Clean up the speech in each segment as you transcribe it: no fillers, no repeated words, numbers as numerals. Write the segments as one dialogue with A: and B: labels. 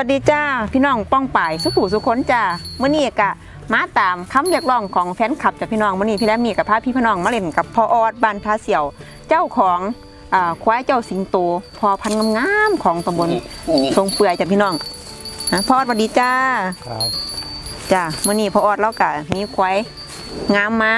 A: วัสดีจ้าพี่น้องป้องป่ายสุขุสุขนจ้าเมื่อนี้กะมาตามคำเรียกร้องของแฟนคลับจากพี่น้องเมื่อนี้พี่แรมมีกับพาพี่น้องมาเล่นกับพ่อออดบ้านทาเสี่ยวเจ้าของควายเจ้าสิงโตพอพันงามๆของตำบลทรงเปื่อยจากพี่น้องพ่อออดสวัสดีจ้า
B: ครับ
A: จ้าเมื่อนี้พ่อออดแล้วกะมีควายงามมา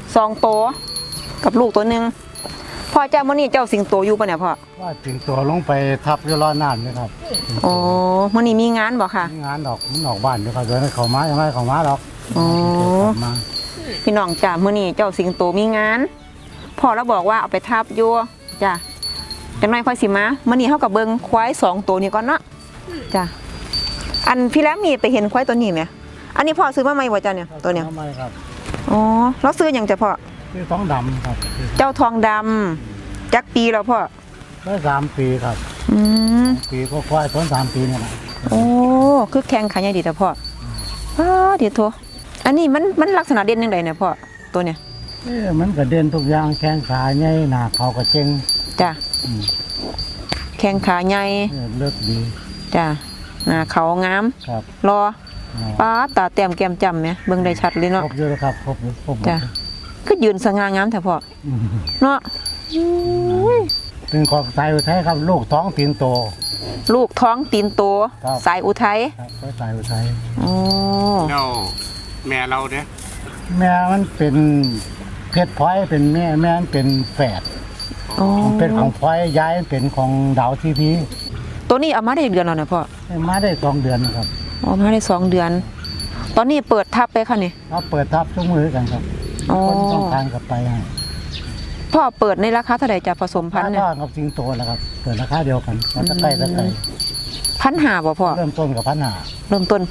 A: 2 ตัวกับลูกตัวหนึ่งพ่อเจ้าเมื่อนี้เจ้าสิงโตอยู่ปะเนี่ยพ่อ
B: ว่าสิงตัวลงไปทับอยู่รอน้ำนี่ครับ
A: อ๋อเมื่อนี้มีงานบ่ค่ะ
B: มีงานดอกมันออกบ้านอยู่ครับเดี๋ยวเขามายังไงเขามาดอก
A: อ๋อพี่น้องจ้าเมื่อนี้เจ้าสิงโตมีงานพ่อแล้วบอกว่าเอาไปทับอยู่จ้าจังน้อยค่อยสิมาเมื่อนี้เขากับเบิ้งควาย2 ตัวนี้ก่อนเนาะจ้าอันพี่แล้วมีไปเห็นควายตัวนี้ไหมอันนี้พ่อซื้อมาใหม่บ่จ้าเนี่ยตัวเนี้ย
B: ไม่ครับ
A: อ๋อแล้วซื้ออย่างจะพ่อ
B: ซื้อทองดำครับ
A: เจ้าทองดำจักปีแล้วพ่อ
B: ได้3 ปีครับปีก็ควายต้น3 ปีนี่แหละ
A: โอ้คือแข็งขาใหญ่ดีแต่พ่อเดี๋ยวโทอันนี้มันลักษณะเด่นยังไงเนี่ยพ่อตัวเนี้ย
B: มันกระเด็นทุกอย่างแข้งขาใหญ่หน้าเขากระเจง
A: จ้ะแข้งขาใหญ่
B: เลิกดี
A: จ้ะหน้าเขางามรอป้าตาแต้มแก้มจำไหมเบิ่งได้ชัดเลยเนาะ
B: ครบอยู่ครับครบ
A: จ้ะคือยืนสง่างามแต่พ่อเนาะ
B: เป็นของสายอุทัยครับลูกท้องตีนโต
A: ลูกท้องตีนโตสายอุทัย
B: ครับสายอุทัย
A: อ๋อ
C: เราแม่เราเนี่ย
B: แม่มันเป็นเพชรพลอยเป็นแม่มันเป็นแฝดเป็นของพลอยย้ายเป็นของดาวทีพี
A: ตัวนี้เอามาได้เดือนแล้วนะพ่อ
B: มาได้2 เดือนครับ
A: มาได้2 เดือนตอนนี้เปิดทับไปค่ะนี่
B: เปิดทับทุกมือกันครับคนต้องการกับไปให้
A: พ่อเปิดในราคาเท่าไหร่จะผสมพันธุ์เนี่ย
B: กับสิงโตแล้วครับเปิดราคาเดียวกันมันจะใกล้
A: 1,500บ่พ่อ
B: เริ่มต้นกับ1,500
A: เริ่มต้น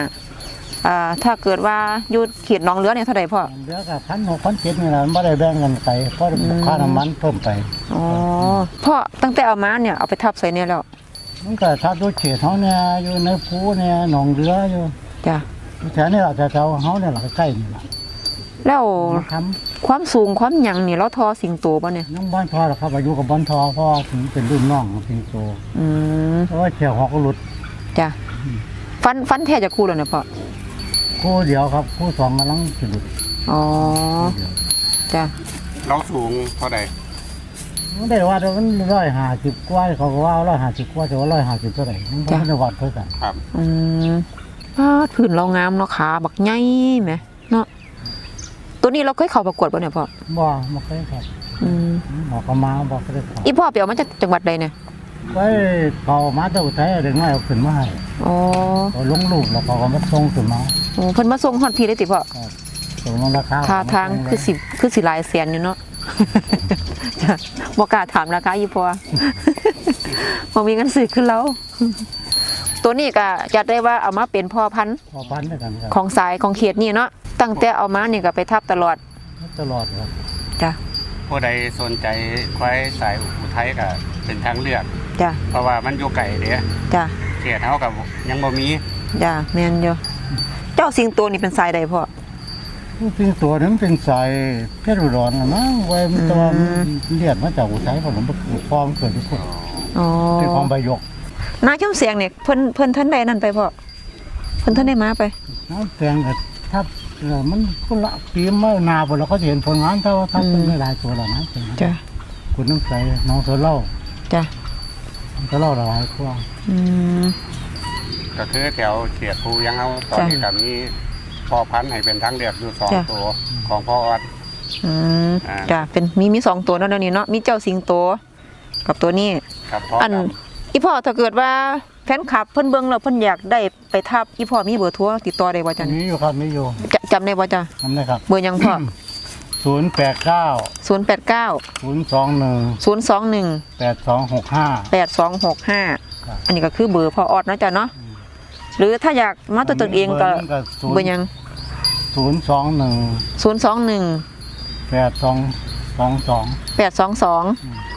A: 1,500ถ้าเกิดว่าอยู่เขตหนองเรือเนี่ยเท่าไหร่พ่อ
B: เรือกับ1,600 1,700นี่แหละไม่ได้แบ่งกันไปเพราะค่าน้ำมันเพิ่มไป
A: อ๋อพ่อตั้งแต่เอามาเนี่ยเอาไปทับใส่เนี่ยแล้ว
B: มันก็ทับด้วยเขตเขาเนี่ยอยู่ในภูเนี่ยหนองเรืออยู่
A: จ้ะ
B: แถวนี้เราจะเขาเนี่ยเราใกล้นี่แหละ
A: แล้วความสูงความหยังนี่เราทอสิงโตป่ะเนี่ย
B: น้องบ้านทอหรอครับอายุกับบ้านทอพ่อถึงเป็นรุ่นน้องของสิงโตเพราะว่าเขียวหอกหลุด
A: จ้ะฟันแท้จะคู่เลยเนี่ยพ่อ
B: คู่เดียวครับคู่2กำลังจะหลุด
A: อ๋อจ้ะ
C: เราสูงเท่าไหร่
B: ไม่ได้ว่ามัน150 กว่าเขาก็ว่า150 กว่าแต่ว่า150เท่าไหร่ไม่ได้วัดเท่ากัน
C: ครับ
A: ผืนเรางามเนาะขาบักใหญ่ไหมเนาะตัวนี้เราเคยเข้าประกวดป่ะเนี่ยพ่อ
B: ไม่เคยครับบอกเขามาบอกเขาได้เข้า
A: อีพ่อเปียวมาจากจังหวัดใดเนี่ย
B: ไปเขามาจากอุทัยเด็กน้อยเอาขึ้นมาให้เขาลงรูปแล้วเขาก็มาส่งขึ้นมา
A: เพิ่นมาส่งฮอดพี่ได้ติพ่อ
B: ส่งลงราคา
A: ท่าทางคือสิหลายแสนอยู่เนาะบ่กล้าถามราคาอีพ่อบ่มีเงินซื้อขึ้นแล้วตัวนี้ก็จะได้ว่าเอามาเป็นพ่อพันธุ์
B: ด้วยกันครับ
A: ของสายของเขตนี่เนาะตั้งแต่เอามานี่ก็ไปทับตลอด
B: ครับ
A: จ้ะ
C: ผู้ใดสนใจควายสายอุทัยก็เป็นทางเลือก
A: จ้ะ
C: เพราะว่ามันอยู่ไกลเด้
A: จ้ะ
C: เขตเฮากับยังบ่มี
A: จ้ะแม่นอยู่เจ้าสิงโตนี่เป็นสายใดพ่อ
B: สิงโตนั้นเป็นสายเพชรอุดรนะไว้มันตัวเลียดมาจากอุทัยผมฟอร์มเกิดที่พุ่นเป็นของใบยก
A: น้าชุ่มเสียงเนี่ยเพิ่นท่านใดนั่นไปพ่อเพิ่นท่านได้มาไป
B: น้าเสียงก็ถ้ามันก็ละปีมาหนาพอเราก็เห็นผลงานเท่าเป็นไม่หลายตัวแล้วนะ
A: จ้ะ
B: คุณน้ำใสน้องเสือเล่า
A: จ้ะ
B: เสือเล่าหลายกว่า
C: ก็คือแถวเขตภูยังเอาตอนนี้กับมีพ่อพันธุ์ให้เป็นทางเลือกอยู่2 ตัวของพ่อออด
A: จ้ะเป็นมี2 ตัวนั่นนี่เนาะมีเจ้าสิงโตกับตัวนี้อันอีพ่อถ้าเกิดว่าแฟนคลับเพิ่นเบิ่งแล้วเพิ่นอยากได้ไปทับอีพ่อมีเบอร์โทรติดต่อได้บ่จ๊ะ
B: มีอยู่ครับมีอยู่
A: จำได้บ่จ๊ะ
B: จำได้ครับ
A: เบอร์ยังพ่อ
B: 089 021 8265
A: อันนี้ก็คือเบอร์พ่อออดนะจ๊ะเนาะหรือถ้าอยากมาตัวตนเองก็เบอร์ยัง
B: 021 8222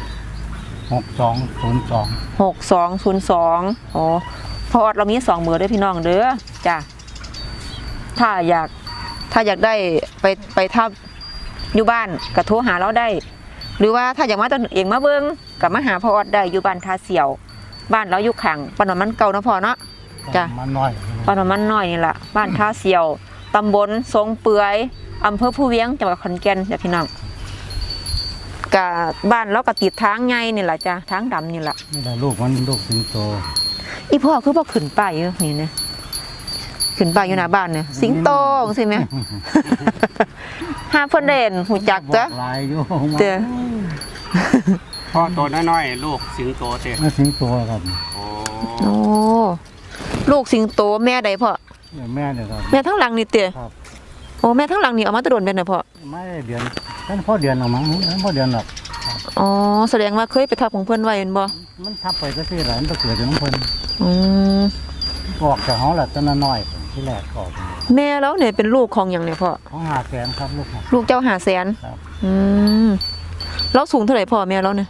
B: 6202
A: อ๋อพ่อออดเรามี2 เบอร์ด้วยพี่น้องเด้อจ้ะถ้าอยากได้ไปทับอยู่บ้านก็โทรหาเราได้หรือว่าถ้าอยากมาตัวเองมาเบิ่งก็มาหาพ่อออดได้อยู่บ้านทาเสี่ยวบ้านเราอยู่ข้างปานมันเก่านะพ่อเนาะจ้ะ
B: มันน้อย
A: บ้านมันน้อยนี่ล่ะบ้านท่าเสียวตำบลทรงเปื่อยอำเภอผู้เวียงจังหวัดขอนแก่นจ้ะพี่น้องกะบ้านเราก็ติดทางใหญ่นี่ล่ะจ้ะทางดำนี่ล่ะ
B: นี่แหละลูกมันลูกสิงโต
A: อีพ่อคือบ่ขึ้นป้ายอยู่นี่นะขึ้นป้ายอยู่หน้าบ้านเนี่ยสิงโตจังซี่แหม หาเพิ่นได้เห็นหูจักจ้ะ
B: บอกลายอยู่
A: เด้อ
C: พ่อตัวน้อยๆลูกสิงโตเตะ
B: นี่สิงโตครับ
C: โอ้
A: โอ้ลูกสิงโตแม่ใดพ่อ
B: เนี่ยแม่เนี่ยครับ
A: แม่ทั้งหลังนี่เตะ
B: ครับ
A: โอ้แม่ทั้งหลังนี่เอามาตะโดนเป็นน่ะพ่อ
B: ไม่ได้เดือนท่านพ่อเดือนหรอกมั้งท่านพ่อเดือนหรอก
A: อ๋อแสดงว่าเคยไปทับของเพิ่นไว้แม่นบ่
B: มันทับไปก็ที่หลานตะเกิดจากน้ำเพิ่น
A: อืม
B: ออกจากห้องแหละตอนน้อยที่แรกออก
A: แม่แล้วเนี่ยเป็นลูกของหยังเนี่ยพ่อ
B: ห้องหาแสนครับลูกครับ
A: ลูกเจ้า500,000
B: ครับ
A: อืมแล้วสูงเท่าไหร่พ่อแม่แล้วเนี่ย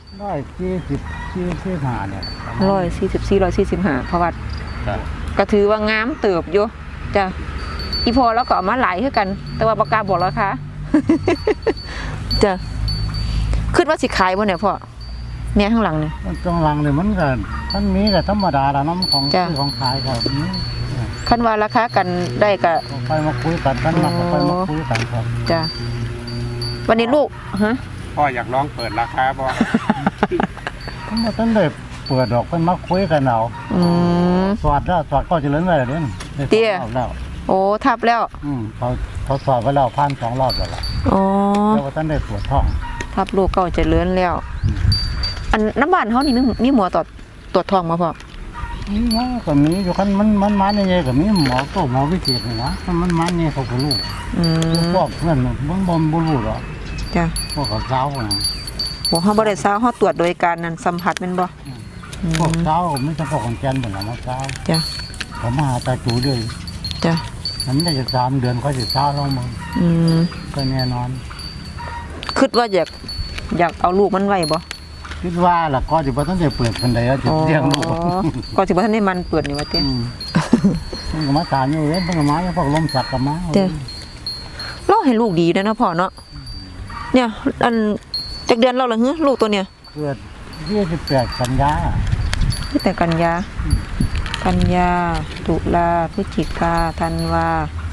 B: 145เนี่ย
A: 144 145เพราะว่า
C: จ้ะ
A: ก็ถือว่างามเติบอยู่จ้ะอีพอแล้วก็เอามาหลายคือกัน แต่ว่าบ่กล้าบอกราคา จ้ะคิดว่าสิขายบ่เนี่ยพ่อแม่ข้างหลังเนี่ย
B: มันตรงหลังเนี่ยมันก็มันมีก็ธรรมดาแล้วน้ำของ
A: จ้ะ
B: ซื้อของขายครับนี่
A: คันว่าราคากันได้ก็
B: ไปมาคุยกันกันมาก็ไปมาคุยกันครับ
A: จ้ะวันนี้ลูกฮะ
C: พ่ออยากลองเปิดราคาบ่
B: มันต้นได้เปิดดอกเพิ่นมาคุยกันเอา
A: อืม
B: สวัสดแล้วสวัสดก็เจะเล่นไว้แล้วเด้นได้
A: เตี้ย
B: สองรอบแล้ว
A: โอ้ทับแล้ว
B: เขาสอบไว้แล้วผ่าน2 รอบแล้วล่ะ
A: อ๋อ
B: แล้วว่าต้นได้ตรวจท้อง
A: ทับลูกเก่าเจะเลื้อนแล้ว อันน้ำบ้านเขานี่มีหมอตรวจท้องมาพ่อ
B: นี่ว่าก็มีอยู่คันมันมาเนี่ยก็มีหมอก็หมอวิเศษนี่นะคันมันมาเนี่ยเขาก็รู้
A: อืม
B: พวกเพื่อนบ่รู้หรอก
A: จ้ะ
B: พวกเขาเช้าน่ะ
A: บอกเขาบ่ได้เช้าเขาตรวจโดยการนั้นสัมผัสแม่นบ่อืม
B: พวกเช้าไม่ใช่พวกของแกนเหมือนเราเช้า
A: จ้ะ
B: เขามาหาตาจูด้วย
A: จ้ะ
B: มันได้จะ3 เดือนเขาจะเช้าลงมึง
A: อืม
B: ก็แน่นอน
A: คิดว่าอยากเอาลูกมันไว้บ่
B: คิดว่าล่ะก็จะบ่ต้องได้เปิดคนใดแล้วจะเลี้ยงลูก
A: ก็สิบ่ทันได้มันเปิดนี่ว่าติ
B: มันก็มาถามอยู่เว้ยมันก็มาอย่างพวกลมสักก็มา
A: เด้อ เราให้ลูกดีนะพ่อเนาะเนี่ยอันจักเดือนเราละฮึลูกตัวเนี่ย
B: เกิด28 กันยา
A: ตั้งแต่กันยาตุลาพฤศจิกาธันวา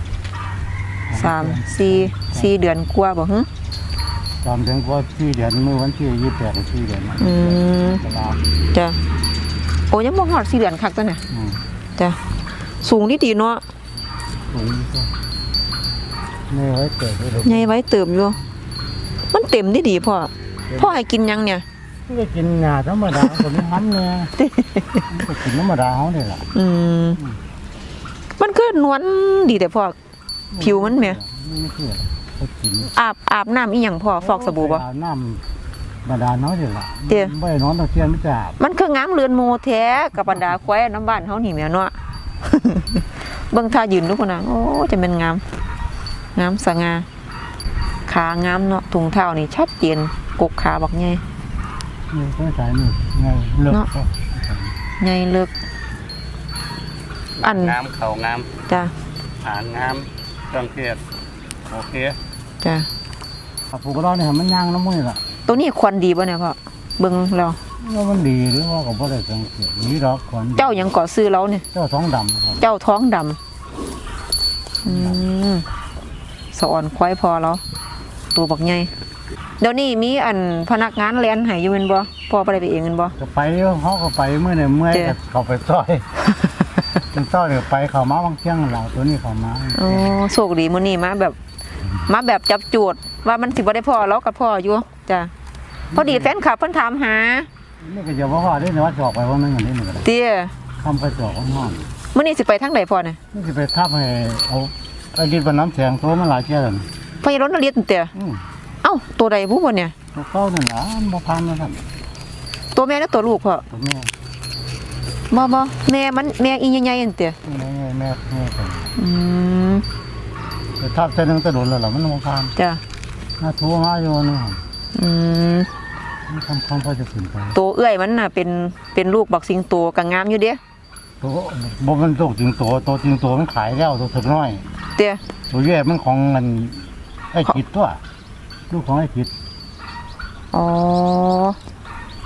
A: 4 เดือนกว่าบ่ฮึ
B: ตอนถึงว่า4 เดือนเมื่อวันที่28 4 เดือน
A: อืม
B: เวลา
A: จ้ะโอ้ยังบ่ฮอด4 เดือนคักตัวเนี่ย
B: อืม
A: จ้ะสูงดีๆเนาะ
B: สูงก็ไม่ไว้เกิดเลย
A: ใหญ่ไว้เติมอยู่มันเต็มดีๆพ่อให้กินยังเนี่ย
B: ที่จะกินหญ้าธรรมดาก็มีห้ำเนี่ยก็กินธรรมดาเขาเนี่ยแหละ
A: อืมมันคือนวลดีแต่พ่อผิวมันแหม
B: ไม่เชื่อเขากิน
A: อาบน้ำอีหยังพ่อฟอกสบู่บ่
B: อาน้ำบาดาลน้อยเดียวละ
A: เตี้ย
B: ไม่ได้นอนตะเคียนไม่จับ
A: มันคืองามเรือนโมแท้กับบรรดาควายน้ำบ้านเฮานี่แหม่เนาะ เบิ่งท่ายืนดูพุ่นน่ะโอ้จะเป็นงามสง่าขางามเนาะถุงเท้านี่ชัดเจนกกขาบักใหญ่
B: นี่ก็สายนี่ไงเลิก
A: เนาะ
B: ก็
A: ใหญ่เลิกอัน
C: งามเขางาม
A: จ้ะ
C: หางงามเครื่องเทศโอเค
A: จ้ะ
B: ผูกร้อนเนี่ยมันย่างน้ำมือละ
A: ตัวนี้ควันดีบ่เนี่ยพ่อเบิ่งแล้ว
B: ว่ามันดีหรือว่าก็บ่ได้สังเกตนี่ดอกขวัญ
A: เจ้าหยังก่อซื้อแล้วเนี่ย
B: เจ้าท้องดำครับ
A: เจ้าท้องดำสอนควายพอแล้ว ตัวบักใหญ่เดี๋ยวนี้มีอันพนักงานแลนให้อยู่แม่นบ่พ่อบ่ได้ไปเองแม่นบ่
B: ก็ไปเขาก็ไปเมื่อเนี่ยเมื่อย
A: เจ้
B: ก็เขาไปซอยเป็นซอยเดี๋ยวไปเขามาบางเที่ยงหลังตัวนี้เขามา
A: โอ้โชคดีมื้อนี้มาแบบจับจูดว่ามันสิบ่ได้พ่อแล้วกับพ่ออยู่จ้ะพอดีแฟนคลับเพิ่นถามหา
B: นี่ก็จะว่าพ่อได้ในวัดจอกไปว่านึงอันนี้หนึ่งก็ได้
A: เตี้ย
B: คำไปจอกห้อง
A: มื้อนี้สิไปทางใดพ่อเนี่ย
B: นี่จะไปทับให้เอาไอ้ดินบนน้ำแข็งตัวมันหลายเที่ยแล้ว
A: พ่อยังรถนเรียนเตี้ยเอ้าตัวใดผู้บ่เนี่ย
B: ตัวเก้านั่นนะบ่พันนะท่าน
A: ตัวแม่และตัวลูกพ่อ
B: ตัวแม่
A: บ่แม่อีใหญ่ๆนั่นเตี้ย
B: แม่กัน
A: อืม
B: แต่ทับเส้นนึงจะโดนแล้วล่ะมันบ่พัน
A: จ้ะ
B: น่าทัวมาอยู่นี่
A: อืม
B: มันคำพอจะขึ้นไป
A: ตัวเอื้อยมันน่ะเป็นลูกบักสิงโตก็งามอยู่เด้
B: ตัวบ่มันตกจริงตัวจริงตัวมันขายแล้วตัวถึกน้อย
A: เตี้ย
B: ตัวแย่มันของเงินไอ้จิตตัวลูกของไอ้จิต
A: อ๋อ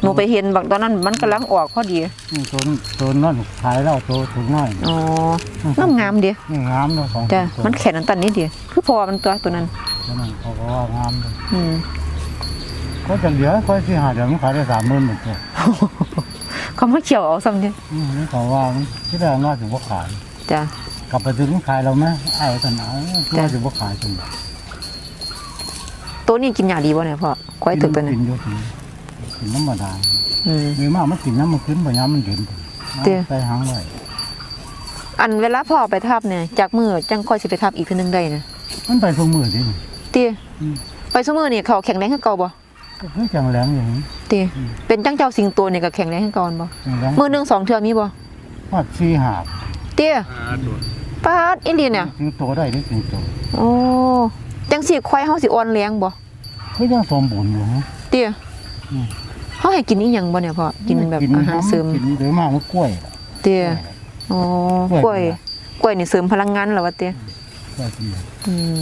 A: หนูไปเห็นบักตอนนั้นมันกำลังออกพอดี
B: ตัวนั่นขายแล้วตัวถุงน้อย
A: อ๋องามๆเดียว
B: นี่งามเนาะของ
A: จ้ะมันแข็งอันตันนิดเดียวคือพอมันตัวนั้น
B: ตัวนั้นเขาก็ว่างามเลย
A: อืม
B: ก็จะเหลือค่อยสิหาเดี๋ยวมันขายได้30,000เหมือนกัน
A: เขามาเขียวเอาซ้ำเดียว
B: นี่เขาว่ามันที่แรกน่าจะบ่ขาย
A: จ้ะ
B: กลับไปถึงขายเราไหมไอ้ท่านเอาน่าจะบ่ขายจน
A: ตัวนี้กินยาดีบ่เนี่ยพ่อควายตึกตัวนี้
B: กินอยู่กินน้ำมาดา
A: อืม
B: มีมากมันกินน้ำมันขึ้นบ่ย้ำมันเย็น
A: เตี้ย
B: ใส่หางไว้
A: อันเวลาพ่อไปทับเนี่ยจากมือจังค่อยสิไปทับอีกทีนึงได้นะ
B: มันไปทุกมือดิ
A: เตี้ยไปซุมื้อนี่เขาแข็งแรงคือเก่าบ่
B: ก็คือจังแรงอย่างนี้
A: เตี้ยเป็นจังเจ้าสิงโตนี่ก็แข็งแรงคือเก่าบ่
B: จังแรง
A: มื้อหนึง2เทื่อมีบ่
B: ว่า4 หาบ
A: เตี้ยปาดอินเดียเนี่ย
B: ถึงโตได้ได้ถึงโต
A: โอ้จังสิควายเฮาสิอ่อนแรงบ่
B: คือยังสมบูรณ์อยู่ฮะ
A: เตี้ย
B: อืม
A: เฮาให้กินอีหยังบ่เนี่ยพ่อกินแบบอาหารเสริม
B: กินโดยมากมันกล้วย
A: เตี้ยอ๋อกล้วยกล้วยนี่เสริมพลังงานเหรอวะเตี้ย
B: กล้วยกิน
A: อืม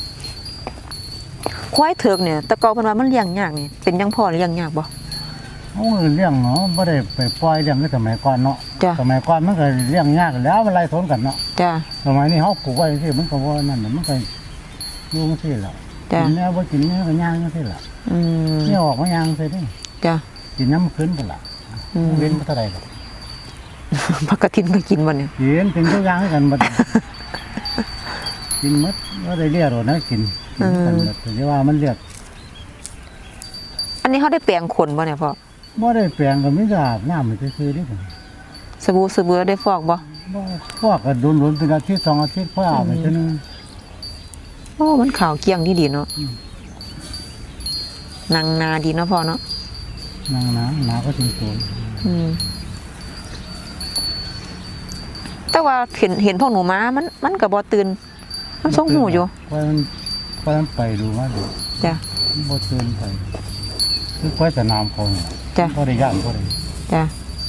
A: ควายเถิกเนี่ยแต่เก่าเพิ่นว่ามันเลี้ยงยากนี่เป็นจังพ่อเลี้ยงยากบ่
B: โอ้เลี้ยงเนาะบ่ได้ไปปล่อยเลี้ยงในสมัยก่อนเนาะ
A: จ้ะ
B: สมัยก่อนมันก็เลี้ยงยากแล้วมันไล่สนกันเนาะ
A: จ้ะ
B: สมัยนี้เฮาปลูกไว้สิมันก็บ่นั่นน่ะมันก็อยู่จังซี่ล่ะ
A: จ้ะ
B: กินแล้วบ่กินแล้วก็ย่างจังซี่ล่ะ
A: อืม
B: นี่ออกมาย่างใส่ดิ
A: จ้ะ
B: กินน้ำมันขึ้นพุ่นล่ะ
A: อืม
B: เว้นบ่เท่าใดดอก
A: ผักกระถินก็กินบ่เนี่ย
B: กินเป็นทุกอย่างกันหมด กินหมดบ่ได้เรียกหรอกนะกินกันหมดแต่ว่ามันเรียก
A: อันนี้เขาได้แปลงขนบ่เนี่ยพ่อ
B: บ่ได้แปลงก็มีแต่อาบน้ำซื่อๆดิ
A: สบู่ได้ฟอกบ่
B: บ่พวกก็โดนๆเป็นอาทิตย์2อาทิตย์พออาบไปเทื่อนึง
A: โอ้มันขาวเกลี้ยงดีๆเนาะนางนาดีเนาะพ่อเนาะ
B: นั่งนะหนาก็ถึงตัว
A: อืมแต่ว่าเห็นพวกหนูม้ามันก็บ่ตื่นมันทรงหูอยู่
B: ค่อยมันไปดูมาดู
A: จ้ะ
B: มันบ่ตื่นไปคือค่อยสนามเขาเนี่ย
A: จ้ะ
B: บ่ได้ย่านบ่ได้
A: จ้ะ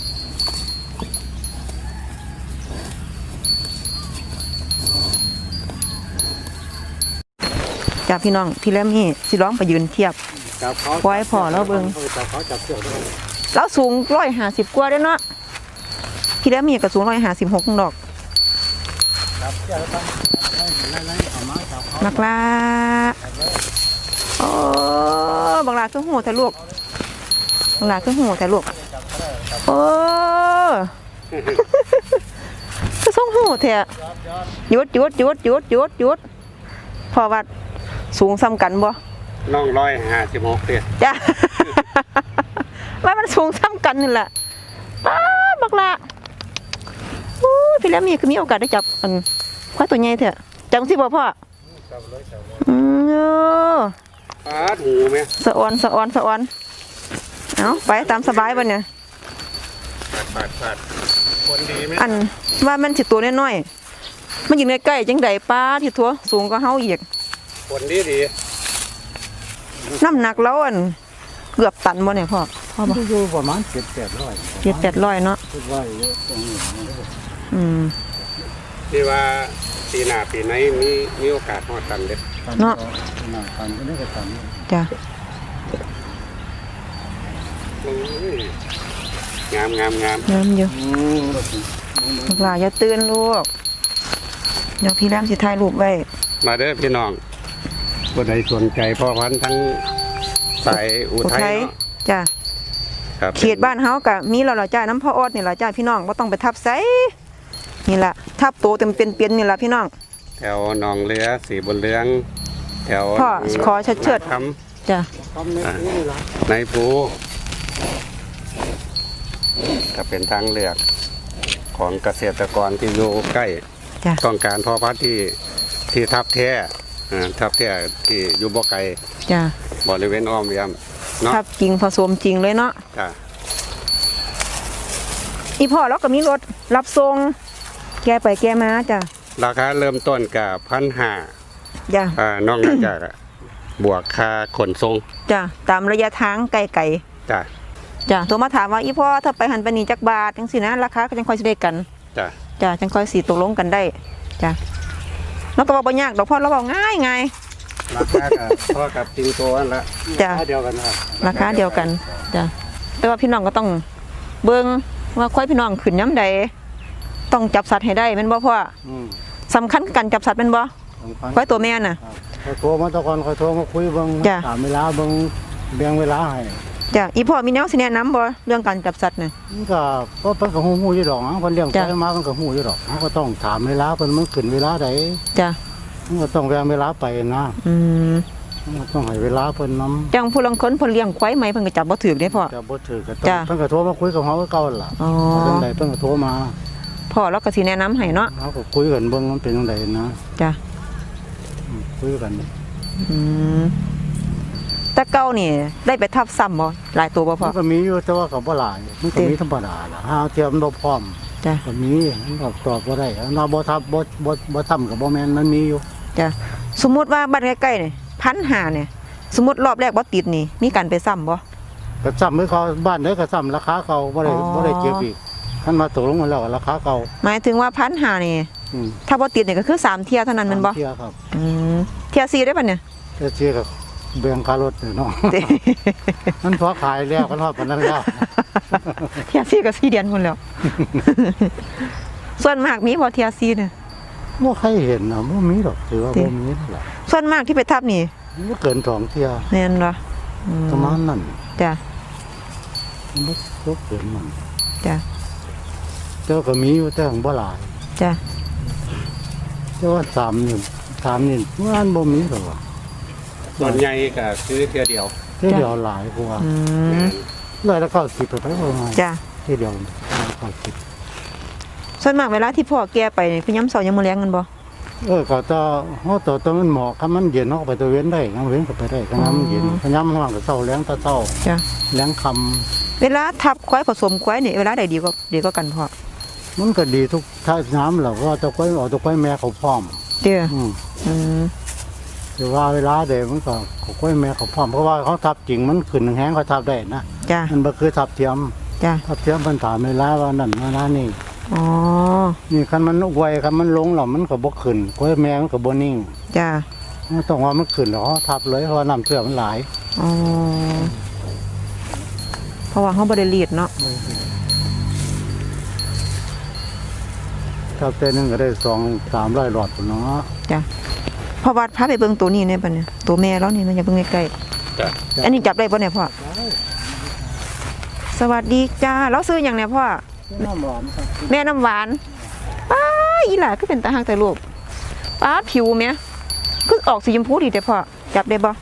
A: จ้ะพี่น้องพี่แลมนี่สิร้องไปยืนเทียบ
C: จับเขา
A: ไว้พอแล้วเบิ่ง
C: จับเขาจับเชือกด้วย
A: แล้วสูง150กว่าเด้อเนาะพี่แลมมีก็สูง156ดอก
C: จับเชือกต้องไล่เอามาจับเขา
A: นักล่าโอ้บังลาคือหูแต่ลูกบังลาคือหูแต่ลูกโอ้ คือส่งหูแท้หยุดพอวัดสูงซ้ำกันบ่
C: น้อง156เตี้ย
A: จ้ะ ว่ามันสูงซ้ำกันนี่แหละป้าดบักละอู้พี่แล้วมีโอกาสได้จับอันควายตัวใหญ่เถอะจังสิบ่พ่อ
C: จับเลยจับเลย
A: เออ
C: ปาดหูไหม
A: สะออนเอาไปตามสบายบ่เนี่ย
C: ปาดคนดีไหม
A: อันว่ามันสิตัวน้อยๆมันอยู่ใกล้ๆจังใดป้าที่ทั่วสูงก็เฮาอีก
C: คนดี
A: น้ำหนักแล้วอันเกือบตันบ่เนี่ยพ่อบ่
B: อยู่ประมาณ700-800
A: 700-800เนาะ
B: คิดว่าเยอะตรงนี้
A: อืม
C: ที่ว่าปีหน้าปีไหนมีโอกาสฮอดกันเด้
A: เนาะ
B: ตันก็ได้ก็ตัน
A: จ้ะ
C: โอ้ยงาม
A: น้ำอยู่ลูกหลานอย่าตื่นลูกเดี๋ยวพี่แรมสิถ่ายรูปไว้
C: มาเด้อพี่น้องผู้ใดสนใจพ่อพันธุ์ทั้งสายอุทัยเนาะ
A: จ้ะ
C: ครับ
A: เขตบ้านเฮาก็มีแล้วล่ะจ้าน้ำพ่อออดนี่ล่ะจ้าพี่น้องบ่ต้องไปทับไสนี่ล่ะทับโตเต็มเป็นนี่ล่ะพี่น้อง
C: แถวหนองเรือสีบนเรือง แถว
A: พ่อขอเชิด
C: ท
A: จ้ะ
C: ำในภูก็เป็นทางเลือกของเกษตรกรที่อยู่ใกล้
A: จ้ะ
C: ต้องการพ่อพันธุ์ที่ทับแท้ทับแท้ที่อยู่บ่ไกล
A: จ้ะ
C: บริเวณอ้อมเยี่ยมเนาะ
A: ทับจริงผสมจริงเลยเนาะ
C: จ้ะ
A: อีพ่อเราก็มีรถรับส่งแกไปแกมาจ้ะ
C: ราคาเริ่มต้นกับ1,500
A: จ้ะ
C: นอกจากบวกค่าขนส่ง
A: จ้ะตามระยะทางไกล
C: จ้ะ
A: ๆจ้ะโทรมาถามว่าอีพ่อถ้าไปหันไปนี่จักบาทจังซี่นะราคาก็จังค่อยสิได้กัน
C: จ้ะ
A: จ้ะจังค่อยสิตกลงกันได้จ้ะแล้วก็บอกบ่ยากดอกพ่อเราบอกง่าย
C: ราคากับพ่อกับจริงตัวนั่นละ
A: จ้ะ
C: ราคาเดียวกันครับ
A: ราคาเดียวกันจ้ะแต่ว่าพี่น้องก็ต้องเบิ่งว่าควายพี่น้องขึ้นย้ำใดต้องจับสัตว์ให้ได้แม่นบ่พ่อ
B: อืม
A: สำคัญการจับสัตว์แม่นบ่
B: สำคัญ
A: ควายตัวแม่น่ะ
B: เขาโทรมาตะกอนเขาโทรมาคุยเบิ่ง
A: จ้ะ
B: ถามเวลาเบิ่งแบ่งเวลาให้
A: จ้ะอีพ่อมีแนวสิแนะนำบ่เรื่องการจับสัตว์น่ะ
B: มันก็เพิ่นก็ฮู้อยู่ดอกเพิ่นเลี้ยง
A: จ้ะ
B: ไปมาเพิ่นก็ฮู้อยู่ดอกเขาก็ต้องถามเวลาเพิ่นมันขึ้นเวลาใด
A: จ้ะ
B: มันก็ต้องแบ่งเวลาไปนะ
A: อืม
B: มันก็ต้องให้เวลาเพิ่นนำ
A: จังผู้ลางคนเพิ่นเลี้ยงควายไหมเพิ่นก็จับบ่ถูกเด้พ่อ
B: จะบ่ถือก็ต้อง
A: จ้ะ
B: เพิ่นก็โทรมาคุยกับเฮาคือเก่าล่ะ
A: อ๋อ
B: เรื่องใดเพิ่นก็โทรมา
A: พ่อเราก็สิแนะนำให้เนาะ
B: เฮาก็คุยกันเบิ่งมันเป็นจังไดนะ
A: จ้ะ
B: คุยกัน
A: อืมแต่เก่านี่ได้ไปทับซ้ำบ่หลายตัวบ่พ่
B: มั
A: อน
B: ก็มีอยู่แต่ว่าก็บ่หลายมันก็มีธรรมดาล่ะหาเทียมบ่พร้อม
A: จ้ะ
B: ก็มีมันก็ตอบบ่ได้เราบ่ทับบ่ทำก็บ่แม่นมันมีอยู่
A: จ้ะสมมุติว่าบ้านใกล้ๆนี่1,500เนี่ยสมมุติรอบแรกบ่ติดนี่มีการไปซ้ำบ่
B: ก็ซ้ำให้เขาบ้านใดก็ซ้ำราคาเก่าบ่ได้
A: อ๋อ
B: บ่ได้เก็บอีกคันมาตกลงกันแล้วก็ราคาเก่า
A: หมายถึงว่า1,500นี่
B: อืม
A: ถ้าบ่ติดนี่ก็คือ3เที่ยเท่านั้นแม่นบ่
B: เที่ยครับ
A: อืมเที่ย4ได้ป่ะเนี่ย
B: แต่เที่ยก็แบ่งค่ารถเนาะ มันพอขายแล้วก็รอดปานนั้นแล้ว
A: เที่ย4ก็4เดือนพุ่นแล้ว ส่วนมากมีบ่เที่ย4เนี่ย
B: บ่ใครเห็นน่ะบ่มีดอกถือว่าบ่มีนั่นล่ะ
A: ส่วนมากที่ไปทับนี่
B: บ่เกิน2เที่ย
A: แม่นบ่อืม
B: ประมาณนั้น
A: จ้ะ
B: มันบ่เกินมัน
A: จ้ะ
B: แต่ก็มีอยู่แต่ของบ่หลาย
A: จ้ะ
B: แต่ว่า3นี่งานบ่มีหรอกว่ะ
C: ส่วนใหญ่ก็ซื้อเทื่อเดียว
B: เที่ยวเดียวหลายกว่า
A: อืม
B: เลยละ90ไปบ่มา
A: จ้ะ
B: เที่ยวเดียว90
A: ส่วนมากเวลาที่พ่อแก่ไปนี่คือยามเช้ายามมื้อแลงกันบ่
B: ก็จะเฮาตัวต้นมันเหมาะคันมันเย็นเฮาก็ไปตะเวนได้ยามเว้นก็ไปได้คันมันเย็นคันยามมันร้อนก็เช้าแลงตะเช้า
A: จ้ะ
B: แลงค่ำ
A: เวลาทับควายผสมควายนี่เวลาใดดีกว่ากันพ่อ
B: มันก็ดีทุกท่าน้ำแล้วก็ตะไคร้ออกตะไคร้แม่เขาพร้อม
A: เด้อ
B: อืม
A: อืม
B: แต่ว่าเวลาเดมันก็เขาไว้แม่เขาพร้อมเพราะว่าเขาทับจริงมันขึ้นแห้งเขาทับได้นะ
A: จ้ะ
B: มันบ่คือทับเทียม
A: จ้ะ
B: ทับเทียมมันถามเวลาว่านั่นเวลานี่
A: อ๋อ
B: นี่คันมันไวคันมันลงแล้วมันก็บ่ขึ้นกล้วยแม่มันก็บ่นิ่ง
A: จ้ะ
B: มันต้องว่ามันขึ้นแล้วเขาทับเลยเพราะว่าน้ำเชื่อมันหลาย
A: อ๋อเพราะว่าเฮาบ่ได้รีดเนาะ
B: ทับเต้นนึงก็ได้2-300หลอดพุ่นเนาะ
A: จ้ะเพราะว่าพาไปเบิ่งตัวนี้เนี่ยบัดเนี่ยตัวแม่แล้วนี่มันอย่าเบิ่งใกล้
C: จ้ะ
A: ๆอันนี้จับได้บ่เนี่ยพ่อสวัสดีจ้าแล้วซื้อหยังเนี่ยพ่อ
B: น้ำหวานครับ
A: แม่น้ำหวานป้าอีหล่าก็เป็นตาหักแต่ลูกป้าผิวแม่คือออกสีชมพูดีแต่พ่อจับได้บ่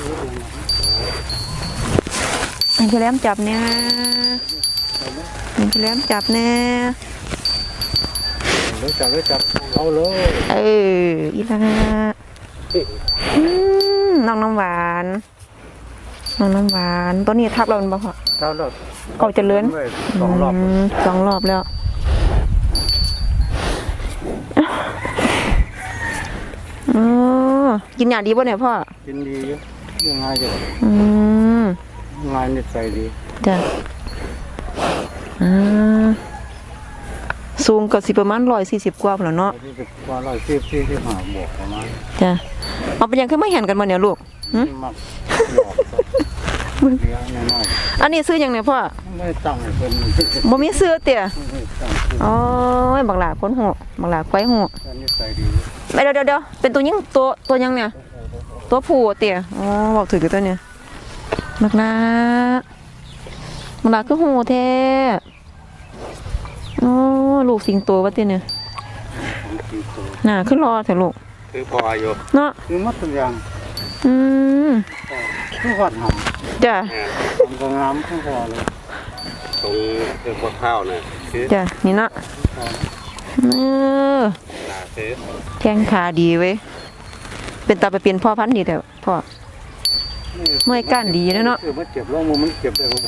A: ให้พี่แหลมจับเนี่ยให้พี่แหลมจับแน่
B: เลยจับเอาเลย
A: เอออีหล่าน้องน้ำหวานน้องน้ำหวานตัวนี้ทับเราเป็นบ่พ่อ
B: เอาแล้ว
A: เอาเจริญ
B: 2 รอบ
A: สองรอบแล้วอ๋อกินยาดีป่ะเนี่ยพ่อ
B: กินดีอยู่ยังไงจะ
A: อืม
B: งานนิสัยดี
A: จ้ะอ่าสูงก็สิประมาณ140กว่าพุ่นแล้วเนาะ
B: ที่กว่า140-45บวกประมาณ
A: จ้ะเอาเป็นหยังขึ้นมาเห็นกันบ่เนี่ยลูกหึ
B: มักหลอกครับเลี้ยงน้อย
A: อันนี้ซื้อหยังเนี่ยพ่อ
B: ๆไม่ตั้งให้เพิ่น
A: บ่มีซื้อเตี่ย
B: ไม่ตั้งคือ
A: อ๋อบักหลาคนหูบักหลาควายหู
B: การนิสัยดี
A: เดี๋ยวเป็นตัวยิงตัวยังเนี่ย ตัวผู้เตี่ยอ๋อบอกถือตัวเนี่ยบักหลาคือหูแท้อ๋อลูกสิงโตวะเตี่ยเนี่ย
B: ของจริงโต
A: น่าขึ้นรอเถอะลูก
C: คือพออยู่
A: เนาะ
B: คือมัดทุกอย่าง
A: อืม
B: คือหอดหำ
A: จ้ะ
B: มันก็งามคือพอเลย
C: ตรงเรื่องพวกข้าวน่ะคือ
A: จ้ะนี่เนาะเออ
C: หนาซื้อ
A: แข้งขาดีเว้ยเป็นตาไปเปลี่ยนพ่อพันธุ์ดีแต่พ่อ เมื่อยก้านดีนะเนาะ
B: คือมันเจ็บลงมือมันเจ็บเลยผม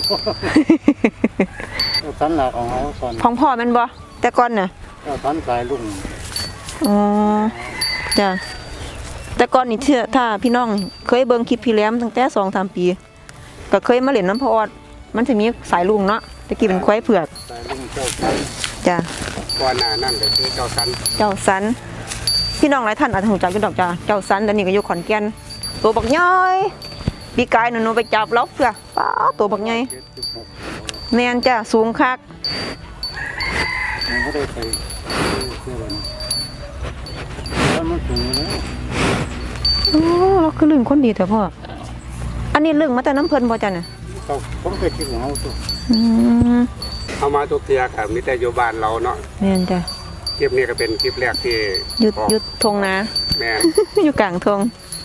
B: สันหลักของเขาตอน
A: ของพ่อแมันบ่แต่ก่อนน่ะ
B: สันสายลุง
A: อ๋อจ้ะแต่ก่อนนี่ถ้าพี่น้องเคยเบิ่งคลิปพี่แหลมตั้งแต่2-3 ปีก็เคยมาเล่นน้ำพ่อออดมันจะมีสายลุงเนาะตะกี้เป็นควายเผือก
B: สายลุงเจ้าสัน
A: จ้ะ
C: ก่อนหน้านั่นก็คือเจ้าสัน
A: เจ้าสันพี่น้องหลายท่านอาจจะรู้จักอยู่ดอกจ้ะเจ้าสันตอนนี้ก็อยู่ขอนแก่นตัวบักย่อยปีกายหนูไปจับล็อกเพื่อป้าตัวบักใหญ่
B: 76
A: แม่นจ้ะสูงคัก
B: มันบ่ได้ไปเชื่อเลยแล้วมันสูงเลย
A: โอ้เราคือลึงคนดีแต่พ่ออันนี้ลึงมาแต่น้ำเพิ่นบ่จ้ะน่ะ
B: เขาผมเคยคิดของเขาตัว
A: อืม
C: เอามาทุกเทียครับมีแต่อยู่บ้านเราเนาะ
A: แม่นจ้ะ
C: คลิปนี้ก็เป็นคลิปแรกที่
A: หยุดทงนา
C: แม่น
A: อยู่กลางทง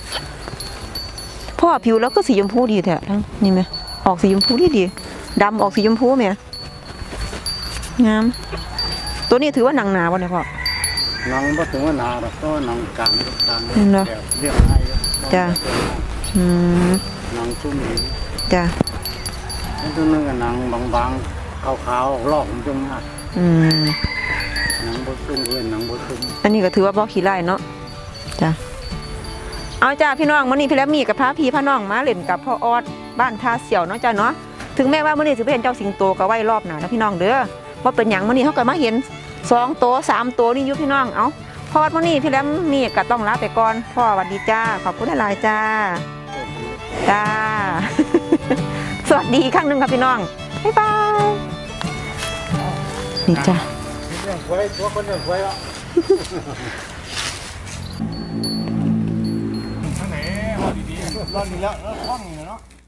A: พ่อผิวแล้วก็สีชมพูดีแท้ทั้งนี่ไหมออกสีชมพูดีดำออกสีชมพูไหมงามตัวนี้ถือว่าหนังหนาบ่เนี่ยพ่อ
B: หนังบ่ถึงว่าหนาหรอกก็หนังกลางกลาง
A: เนาะ
B: แบบเรียบง่าย
A: จ้ะ อืม
B: หนังชุ่มดี
A: จ้ะ
B: แล้วตัวนึงก็หนังบางๆขาวๆลอกมันจังมาก
A: อืม
B: หนังบ่ชุ่มเว้นหนังบ่ชุ่ม
A: อันนี้ก็ถือว่าบ่ขี้ไล่เนาะจ้ะเอาจ้าพี่น้องมื้อนี้พี่แลมมี่กับพาพี่พาน้องมาเล่นกับพ่อออดบ้านท่าเสี่ยวเนาะจ้ะเนาะถึงแม้ว่ามื้อนี้สิไปเห็นเจ้าสิงโตก็ไว้รอบหน้านะพี่น้องเด้อบ่เป็นหยังมื้อนี้เฮาก็มาเห็น2ตัว3ตัวนี่อยู่พี่น้องเอาพอดมื้อนี้พี่แลมมี่ก็ต้องลาไปก่อนพ่อสวัสดีจ้าขอบคุณหลายๆจ้าจ้า สวัสดีอีกครั้งหนึงครับพี่น้องบ๊ายบายนี่จ้า
B: เรื่องไว้ตัวคนเรื่องไว้ละทางไหนว่าดีๆรอดนี่แล้วคล่องนี่เนาะ